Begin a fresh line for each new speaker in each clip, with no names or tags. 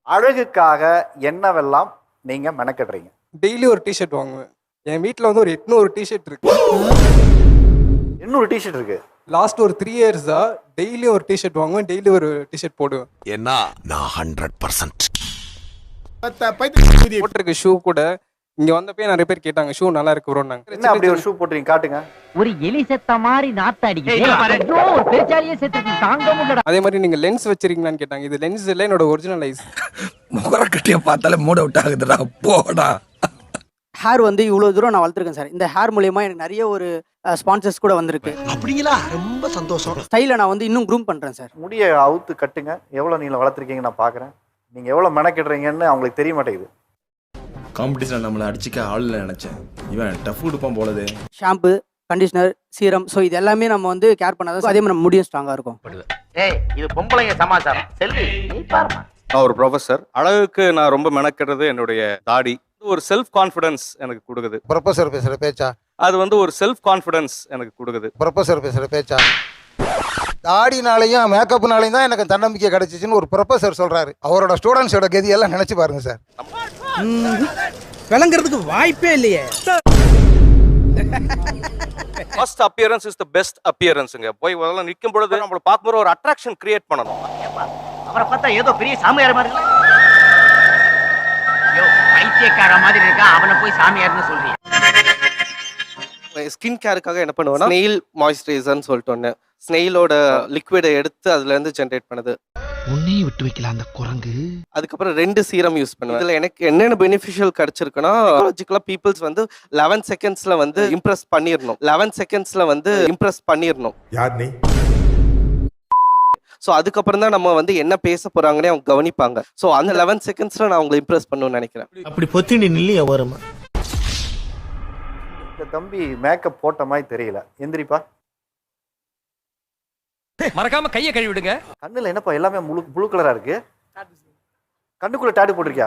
அழகுக்காக என்னவெல்லாம் நீங்க மெனக்கெடுறீங்க?
டெய்லி ஒரு டிஷர்ட் வாங்குவேன். என் வீட்டில் வந்து ஒரு 800 டிஷர்ட் இருக்கு.
800 டிஷர்ட் இருக்கு.
லாஸ்ட் ஒரு 3 இயர்ஸா டெய்லி ஒரு டிஷர்ட் வாங்குவேன், டெய்லி ஒரு டிஷர்ட் போடுவேன்.
ஏன்னா நான் 100%
போட்டிருக்க ஷூ கூட இங்க வந்தப்பே நிறைய பேர் கேட்டாங்க, ஷூ நல்லா இருக்கு ப்ரோ.
என்ன அப்படி ஒரு ஷூ போட்டுறீங்க? காட்டுங்க.
ஒரு எலி செத்த மாதிரி நாத்த அடிக்குது. ஒரு பெருச்சாலியே செத்து தாங்க முடியல.
அதே மாதிரி நீங்க லென்ஸ் வச்சிருக்கீங்களான்னு கேட்டாங்க. இது லென்ஸ் இல்லை, என்னோட ஒரிஜினல் ஐஸ்.
முகரக்கட்டிய பார்த்தாலே மூட் அவுட் ஆகுதுடா, போடா.
ஹேர் வந்து இவ்வளோ தூரம் நான் வளர்த்துருக்கேன் சார். இந்த ஹேர் மூலியமா எனக்கு நிறைய ஒரு ஸ்பான்சர்ஸ் கூட வந்திருக்கு.
அப்படிங்களா? ரொம்ப சந்தோஷம்.
ஸ்டைலை நான் வந்து இன்னும் க்ரூம் பண்ணுறேன் சார்.
முடிய அவுத்து கட்டுங்க. எவ்வளோ நீளம் வளர்த்துருக்கீங்க நான் பார்க்குறேன். நீங்க எவ்வளோ மெனக்கெடுறீங்கன்னு அவங்களுக்கு தெரிய மாட்டேங்குது.
காம்படிஷனில் நம்மளை அடிச்சிக்க ஆள் இல்லை நினச்சேன். இவன் டஃப் கொடுப்பான் போலது.
ஷாம்பு, கண்டிஷனர், சீரம், ஸோ இது எல்லாமே நம்ம வந்து கேர் பண்ணாதான் அதே மாதிரி நம்ம முடியும் ஸ்ட்ராங்காக இருக்கும்.
இது பொம்பளைங்க சமாச்சாரம். செல்வி நீ பாருமா.
நான் ஒரு ப்ரொஃபஸர். அழகுக்கு நான் ரொம்ப மெனக்கிறது என்னுடைய தாடி. ஒரு செல்ஃப் கான்ஃபிடன்ஸ் எனக்கு கொடுக்குது.
ப்ரொஃபஸர் பேசுற பேச்சா?
அது வந்து ஒரு செல்ஃப் கான்ஃபிடன்ஸ் எனக்கு கொடுக்குது.
ப்ரொஃபஸர் பேசுற பேச்சா? தாடினாலையும் மேக்கப்னாலையும் தான் எனக்கு தன்னம்பிக்கை கிடைச்சிச்சுன்னு ஒரு ப்ரொஃபஸர் சொல்றாரு. அவரோட ஸ்டூடெண்ட்ஸோட கதி எல்லாம் நினைச்சு பாருங்க சார்.
விளங்குறதுக்கு வாய்ப்பே இல்லையே.
First appearance is the best அப்பியரன்ஸ்ங்க. போய் முதல்ல நிற்கும் பொழுது நம்மள பார்க்கும்போது ஒரு அட்ராக்ஷன் கிரியேட் பண்ணணும்.
அவரை பார்த்தா ஏதோ பெரிய சாமியார் மாதிரி இல்ல. யோ பைத்தியக்கார மாதிரி இருக்கா, அவனை போய் சாமியார்னு சொல்றீங்க.
ஸ்கின் கேருக்காக என்ன பண்ணுவேன்னா ஸ்னெயில் மாய்ஸ்சரைசர்னு சொல்லிட்டு ஒன்று, ஸ்னெயிலோட லிக்விடை எடுத்து அதுலேருந்து ஜென்ரேட் பண்ணுது.
உன்னையும் விட்டு வைக்கலாம் அந்த குரங்கு.
அதுக்கப்புறம் 2 சீரம் யூஸ் பண்ணுவேன். இதில் எனக்கு என்னென்ன பெனிஃபிஷியல் கிடைச்சிருக்குன்னா, சைக்காலஜிக்கலாக பீப்புள்ஸ் வந்து 11 செகண்ட்ஸில் வந்து இம்ப்ரெஸ் பண்ணிடணும். 11 செகண்ட்ஸில் வந்து இம்ப்ரெஸ் பண்ணிடணும்.
யார் நீ?
ஸோ அதுக்கப்புறம் தான் நம்ம வந்து என்ன பேச போறாங்கன்னே அவங்க கவனிப்பாங்க. ஸோ அந்த 11 செகண்ட்ஸில் நான் அவங்களை இம்ப்ரெஸ் பண்ணணும்னு நினைக்கிறேன்.
அப்படி பொத்திண்டி நில்லையா வருமா?
இந்த தம்பி மேக்கப் போட்ட மாதிரி தெரியல. எந்திரிப்பா.
மறக்காம கையை கழுவி விடுங்க.
கண்ணுல என்னப்பா எல்லாமே ப்ளூ கலரா இருக்கு? கண்ணுக்குள்ள டாட்டு போட்டிருக்கியா?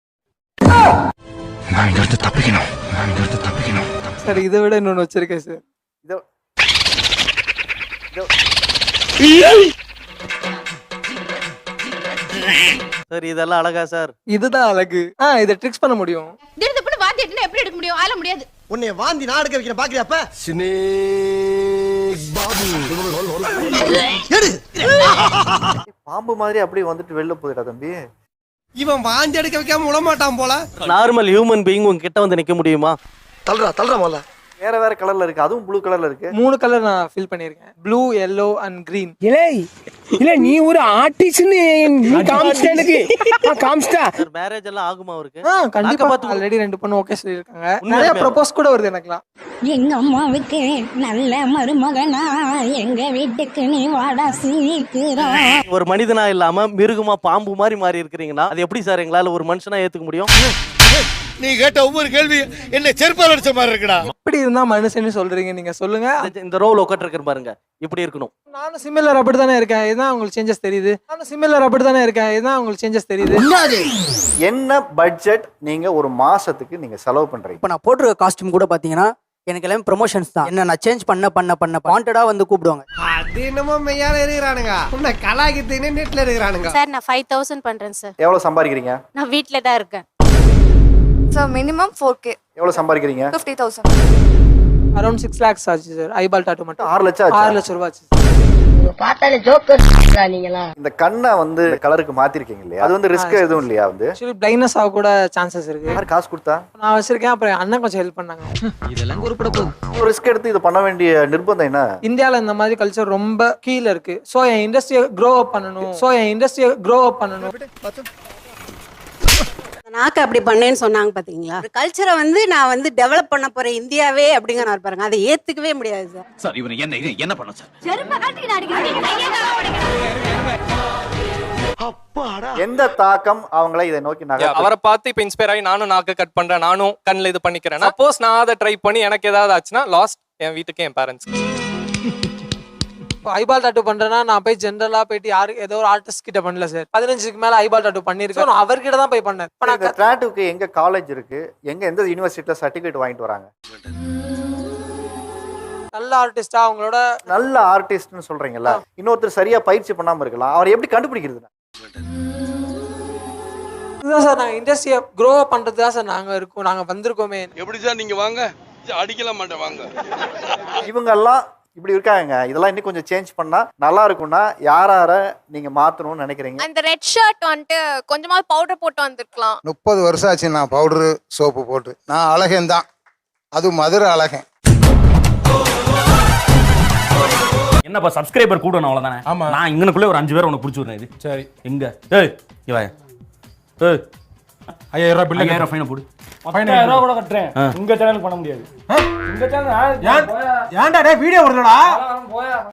நான் இங்க இருந்து தப்பிக்கணும்.
சார் இதை விட இன்னொன்று வச்சிருக்கேன் சார்.
சார் இதெல்லாம் அழகா சார்?
இதுதான் அழகு. இதை ட்ரிக்ஸ் பண்ண முடியும்.
வாந்தி எடுத்தா எப்படி எடுக்க முடியும்? ஆல முடியாது.
உன்னை வாந்தி நான் எடுக்க வைக்கிறேன், பாக்குறியாப்ப?
பாம்பு மாதிரி அப்படியே வந்துட்டு வெளில போயிடா தம்பி.
இவன் வாந்தி எடுக்க வைக்காம விட மாட்டான் போல.
நார்மல் ஹியூமன் பீயிங் உங்ககிட்ட வந்து நிற்க முடியுமா?
தள்ளுறா முதல்ல.
வேற வேற கலர்ல இருக்கு, அதுவும் ப்ளூ கலர்ல இருக்கு.
3 கலர் நான் ஃபில் பண்ணியிருக்கேன். Blue, yellow and green.
இல்ல நீ ஒரு ஆர்டிஸ்ட்னு நீ காமிச்சிட்ட எனக்கு. காமிச்சிட்டா.
சார் மேரேஜ் எல்லாம் ஆகுமா அவருக்கு?
கண்டிப்பா பார்த்து ஆல்ரெடி 2 பொண்ணு ஓகே சொல்லியிருக்காங்க. நிறைய ப்ரொபோஸ் கூட வருது எனக்குலாம்.
எங்க அம்மாவுக்கு நல்ல மருமகனா, எங்க வீட்டுக்கு நீ வாடா சீக்கிரம்.
ஒரு மனிதனா இல்லாம மிருகமா பாம்பு மாதிரி மாறி இருக்கிறீங்கன்னா அது எப்படி சார் எங்களால ஒரு மனுஷனா ஏத்துக்க முடியும்?
நீ கேட்ட ஒவ்வொரு கேள்வி என்ன செருப்பால் அடிச்ச மாதிரி இருக்குடா.
எப்படி இருந்தா மனுஷன்னு சொல்றீங்க நீங்க? சொல்லுங்க.
இந்த ரோல் உட்கார்ந்து பாருங்க, இப்படி இருக்கணும்.
நானும் சிமிலர் அப்படி தானே இருக்கேன். இதுதான் உங்களுக்கு சேஞ்சஸ் தெரியுது.
என்ன பட்ஜெட் நீங்க ஒரு மாசத்துக்கு நீங்க செலவு பண்றீங்க?
இப்போ நான் போட்டிருக்க காஸ்டியூம் கூட பார்த்தீங்கன்னா எனக்கு எல்லாமே ப்ரொமோஷன்ஸ் தான். என்ன நான் சேஞ்ச் பண்ண வாண்டடா வந்து கூப்பிடுவாங்க.
அது என்னமோ மெய்யால இருக்கிறானுங்க. உன்னை கலாய்க்கிறதுன்னு நெட்ல இருக்கிறானுங்க.
சார் நான் 5000 பண்றேன் சார்.
எவ்வளவு சம்பாதிக்கிறீங்க?
நான் வீட்ல தான் இருக்கேன். Sir minimum 4k.
எவ்வளவு சம்பாதிக்கிறீங்க?
50000.
அரௌண்ட் 6 lakhs ஆச்சு சார். ஐபால் டாட்டூ மட்டும்
6 லட்சம்.
6 லட்சம் ரூபாய் ஆச்சு.
பார்த்தாலே ஜோக்கர் நீங்களா.
இந்த கண்ணை வந்து கலருக்கு மாத்திருக்கீங்க இல்லையா? அது வந்து ரிஸ்க் எதுவும் இல்லையா? வந்து
ஆக்சுவலி பிளைண்ட்னஸ் ஆக கூட சான்சஸ் இருக்கு.
யார் காசு கொடுத்தா?
நான் வச்சிருக்கேன். அப்புறம் அண்ணன் கொஞ்சம் ஹெல்ப் பண்ணாங்க.
இதெல்லாம் குறிப்பிட போகுது.
ரிஸ்க் எடுத்து இதை பண்ண வேண்டிய நிர்பந்தம் என்ன?
இந்தியாவில் இந்த மாதிரி கல்ச்சர் ரொம்ப கீழே இருக்கு. ஸோ என் இண்டஸ்ட்ரியை க்ரோ அப் பண்ணணும்.
நாக்கு அப்படி பண்ணேன்னு சொன்னாங்க பாத்தீங்களா? கல்ச்சரை வந்து நான் வந்து டெவலப் பண்ண போறேன் இந்தியாவே அப்படிங்கிற பாருங்க. அதை ஏத்துக்கவே முடியாது சார்.
சார் இவன் என்ன பண்ண சார்?
எந்த தாக்கம் அவங்கள இதை நோக்கி
அவரை பார்த்து இப்ப இன்ஸ்பயர் ஆகி நானும் நாக்கு கட் பண்றேன், நானும் கண்ணில் இது பண்ணிக்கிறேன். சப்போஸ் நான் அதை ட்ரை பண்ணி எனக்கு ஏதாவது ஆச்சுன்னா லாஸ்ட் என் வீட்டுக்கு, என் பேரண்ட்ஸ். இப்போ ஐபால் டாட்டூ பண்றேன்னா நான் போய் ஜென்ரலா போயிட்டு யாரு ஏதோ ஒரு ஆர்டிஸ்ட் கிட்ட பண்ணல சார். 15க்கு மேல ஐபால் டாட்டூ பண்ணிருக்கேன். நான் அவர்கிட்ட தான் போய் பண்ணேன்.
இந்த டாட்டூக்கு எங்க காலேஜ் இருக்கு, எந்த யூனிவர்சிட்டில சர்டிபிகேட் வாங்கிட்டு வராங்க?
நல்ல ஆர்டிஸ்டா அவங்களோட
நல்ல ஆர்டிஸ்ட்னு சொல்றீங்கல்ல, இன்னொருத்தர் சரியா பயிற்சி பண்ணாம இருக்கலாம். அவர் எப்படி கண்டுபிடிக்கிறது?
இதுதான் சார் நாங்கள் இண்டஸ்ட்ரியை க்ரோ பண்ணுறது தான் சார் நாங்கள் வந்திருக்கோமே.
எப்படி சார் நீங்க வாங்க அடிக்கலாம் மாட்டேன் வாங்க.
இவங்கெல்லாம் இப்படி இருக்காங்க, இதெல்லாம் இன்னும் கொஞ்சம் சேஞ்ச் பண்ணா நல்லா இருக்கும்னா யார நீங்க மாத்தணும்னு நினைக்கிறீங்க?
அந்த ரெட் ஷர்ட் வந்துட்டு கொஞ்சமா பவுடர் போட்டு வந்திருக்கலாம்.
30 வருஷம் ஆச்சு நான் பவுடரு சோப்பு போட்டு. நான் அழகன் தான், அது மதுரை அழகன்.
என்னப்பா சப்ஸ்கிரைபர் கூடணும் அவ்வளோதானே. ஆமாம், நான் இங்கனுக்குள்ளே ஒரு 5 பேர் உனக்கு பிடிச்சி விடுறேன். இது சரி எங்க ஏய் இவா ஏய் 5000 ரூபாய் பில்லு 5000 ஃபைனை போடு. 5000 ரூபாய் கூட கட்டுறேன். உங்க சேனலுக்கு பண்ண முடியாது. உங்க சேனல் ஏன்டா டேய் வீடியோ வருதுடா.